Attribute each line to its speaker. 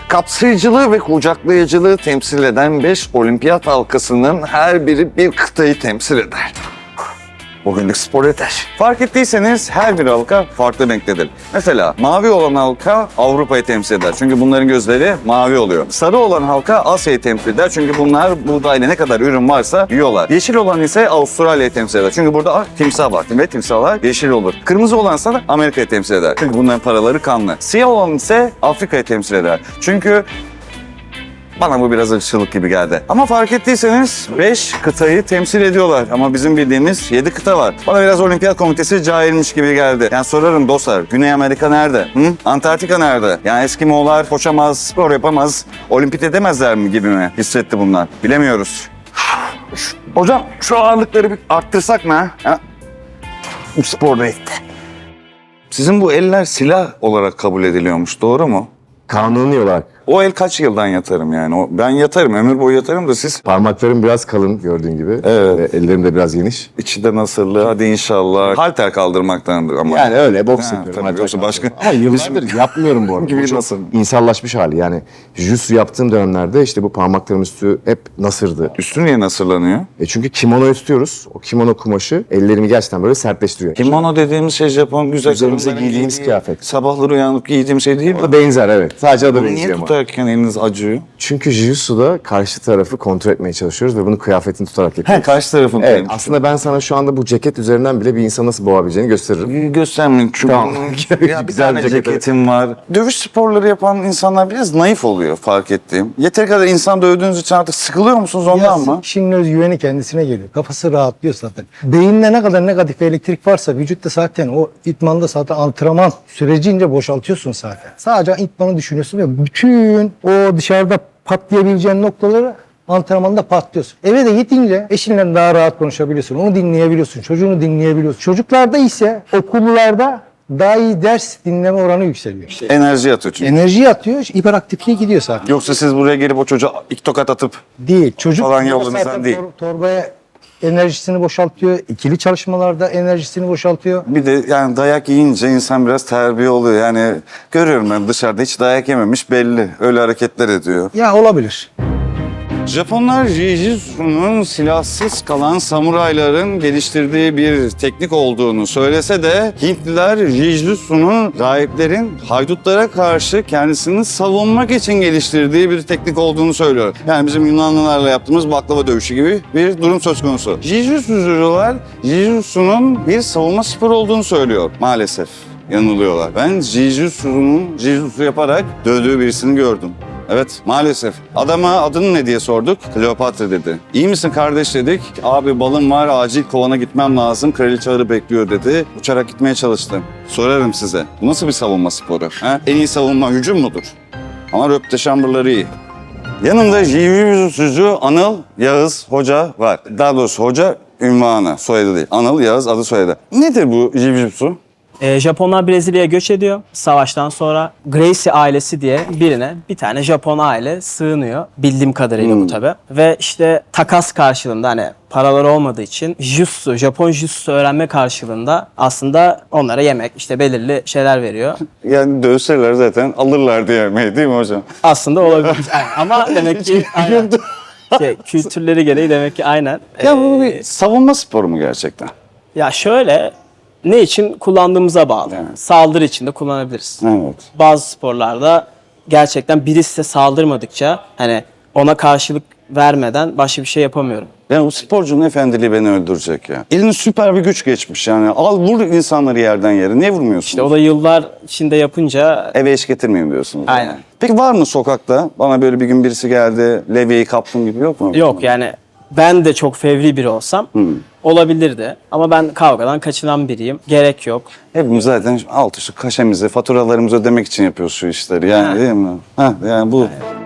Speaker 1: Kapsayıcılığı ve kucaklayıcılığı temsil eden 5 olimpiyat halkasının her biri bir kıtayı temsil eder. Bugünlük spor yeter. Fark ettiyseniz her bir halka farklı renktedir. Mesela mavi olan halka Avrupa'yı temsil eder. Çünkü bunların gözleri mavi oluyor. Sarı olan halka Asya'yı temsil eder. Çünkü bunlar buğdayla ne kadar ürün varsa yiyorlar. Yeşil olan ise Avustralya'yı temsil eder. Çünkü burada timsah var ve timsahlar yeşil olur. Kırmızı olansa da Amerika'yı temsil eder. Çünkü bunların paraları kanlı. Siyah olan ise Afrika'yı temsil eder. Çünkü bana bu biraz ırkçılık gibi geldi. Ama fark ettiyseniz 5 kıtayı temsil ediyorlar. Ama bizim bildiğimiz 7 kıta var. Bana biraz Olimpiyat Komitesi cahilmiş gibi geldi. Yani sorarım dostlar, Güney Amerika nerede? Antarktika nerede? Yani Eskimoğullar koşamaz, spor yapamaz, olimpiyat edemezler mi gibi mi hissetti bunlar? Bilemiyoruz. Hocam şu ağırlıkları bir arttırsak mı? Ha? Bu spor neydi? Sizin bu eller silah olarak kabul ediliyormuş, doğru mu?
Speaker 2: Kanuni olarak.
Speaker 1: O el kaç yıldan yatarım yani? Ben yatarım, ömür boyu yatarım da siz...
Speaker 2: Parmaklarım biraz kalın gördüğün gibi.
Speaker 1: Evet.
Speaker 2: Ve ellerim de biraz geniş.
Speaker 1: İçi de nasırlı, hadi inşallah. Halter kaldırmaktandır ama.
Speaker 2: Yani öyle boks
Speaker 1: Ha,
Speaker 2: yapıyorum.
Speaker 1: tabii, yoksa başka...
Speaker 2: Ama yıllardır yapmıyorum bu arada.
Speaker 1: Gibi
Speaker 2: Bu çok
Speaker 1: nasıl?
Speaker 2: İnsallaşmış hali yani. Jiu-jitsu yaptığım dönemlerde işte bu parmaklarım üstü hep nasırdı.
Speaker 1: Üstü niye nasırlanıyor?
Speaker 2: Çünkü kimonoyu tutuyoruz. O kimono kumaşı ellerimi gerçekten böyle sertleştiriyor.
Speaker 1: Kimono dediğimiz şey Japon güzel
Speaker 2: Üzerimize
Speaker 1: kadınların
Speaker 2: giydiğimiz
Speaker 1: giydiği,
Speaker 2: kıyafet.
Speaker 1: Sabahları uyanıp giydiğim şey değil mi?
Speaker 2: O da benzer evet. Sadece adı
Speaker 1: Niye
Speaker 2: benziyor ama.
Speaker 1: tutarken eliniz acıyor?
Speaker 2: Çünkü Jiu-Jitsu'da karşı tarafı kontrol etmeye çalışıyoruz ve bunu kıyafetini tutarak yapıyoruz.
Speaker 1: Karşı tarafın.
Speaker 2: Evet, aslında ben sana şu anda bu ceket üzerinden bile bir insanı nasıl boğabileceğini gösteririm.
Speaker 1: Göstermeyin çünkü
Speaker 2: Tamam.
Speaker 1: ya bir
Speaker 2: Güzel
Speaker 1: tane
Speaker 2: bir ceket.
Speaker 1: ceketim var. Dövüş sporları yapan insanlar biraz naif oluyor fark ettiğim. Yeteri kadar insan dövdüğünüz için artık sıkılıyor musunuz ondan mı?
Speaker 3: Kişinin özgüveni kendisine geliyor. Kafası rahatlıyor zaten. Beyinde ne kadar negatif elektrik varsa vücutta zaten o idmanda zaten antrenman sürecince boşaltıyorsun zaten. Sadece idmanı düşünüyorsun ve bütün o dışarıda patlayabileceğin noktaları antrenmanda patlıyorsun. Eve de gidince eşinle daha rahat konuşabiliyorsun. Onu dinleyebiliyorsun. Çocuğunu dinleyebiliyorsun. Çocuklarda ise okullarda daha iyi ders dinleme oranı yükseliyor.
Speaker 1: Enerji atıyor çünkü.
Speaker 3: Enerji atıyor, hiperaktifliğe gidiyor zaten.
Speaker 1: Yoksa siz buraya gelip o çocuğa iki tokat atıp
Speaker 3: Değil. Çocuk
Speaker 1: Falan yolunuzdan
Speaker 3: zaten
Speaker 1: değil.
Speaker 3: Torbaya enerjisini boşaltıyor. İkili çalışmalarda enerjisini boşaltıyor.
Speaker 1: bir de yani dayak yiyince insan biraz terbiye oluyor. Yani görüyorum ben dışarıda hiç dayak yememiş belli. Öyle hareketler ediyor.
Speaker 3: Ya olabilir.
Speaker 1: Japonlar Jiu-Jitsu'nun silahsız kalan samurayların geliştirdiği bir teknik olduğunu söylese de Hintliler Jiu-Jitsu'nun rahiplerin haydutlara karşı kendisini savunmak için geliştirdiği bir teknik olduğunu söylüyor. Yani bizim Yunanlılarla yaptığımız baklava dövüşü gibi bir durum söz konusu. Jiu-Jitsu'cular Jiu-Jitsu'nun bir savunma sporu olduğunu söylüyor maalesef. Yanılıyorlar. Ben Jiu-Jitsu'nun Jiu-Jitsu yaparak dövdüğü birisini gördüm. Evet, maalesef. Adama adını ne diye sorduk. Kleopatra dedi. İyi misin kardeş dedik. Abi balım var, acil kovana gitmem lazım. Kraliçe ağrı bekliyor dedi. Uçarak gitmeye çalıştım. Sorarım size. Bu nasıl bir savunma sporu? Ha? En iyi savunma hücum mudur? Ama röpte şambırları iyi. Yanımda Jiu-Jitsu'cu Anıl Yağız Hoca var. Daha doğrusu hoca ünvanı, soyadı değil. Anıl Yağız adı soyadı. Nedir bu Jiu-Jitsu?
Speaker 4: Japonlar Brezilya'ya göç ediyor. Savaştan sonra Gracie ailesi diye birine bir tane Japon aile sığınıyor. Bildiğim kadarıyla bu tabii. Ve işte takas karşılığında hani paraları olmadığı için Jutsu, Japon Jutsu öğrenme karşılığında aslında onlara yemek, işte belirli şeyler veriyor.
Speaker 1: Yani dövseler zaten alırlar diye yemeği değil mi hocam?
Speaker 4: Aslında olabilir. Ama demek ki aynen. Kültürleri gereği demek ki aynen.
Speaker 1: Ya bu bir savunma sporu mu gerçekten?
Speaker 4: Ya şöyle, ne için kullandığımıza bağlı.
Speaker 1: Evet.
Speaker 4: Saldırı için de kullanabiliriz.
Speaker 1: Evet.
Speaker 4: Bazı sporlarda gerçekten biri size saldırmadıkça hani ona karşılık vermeden başka bir şey yapamıyorum.
Speaker 1: Yani o sporcunun efendiliği beni öldürecek ya. Elin süper bir güç geçmiş yani. Al vur insanları yerden yere. Niye vurmuyorsun?
Speaker 4: İşte o da yıllar içinde yapınca
Speaker 1: Eve eş getirmeyin diyorsunuz.
Speaker 4: Aynen.
Speaker 1: Yani. Peki var mı sokakta? Bana böyle bir gün birisi geldi, levyeyi kaptım gibi yok mu?
Speaker 4: yok yani ben de çok fevri biri olsam olabilirdi. Ama ben kavgadan kaçınan biriyim. Gerek yok.
Speaker 1: Hepimiz zaten alt üstü kaşemizi, faturalarımızı ödemek için yapıyoruz şu işleri yani
Speaker 4: Ha.
Speaker 1: değil mi? Ha, yani bu.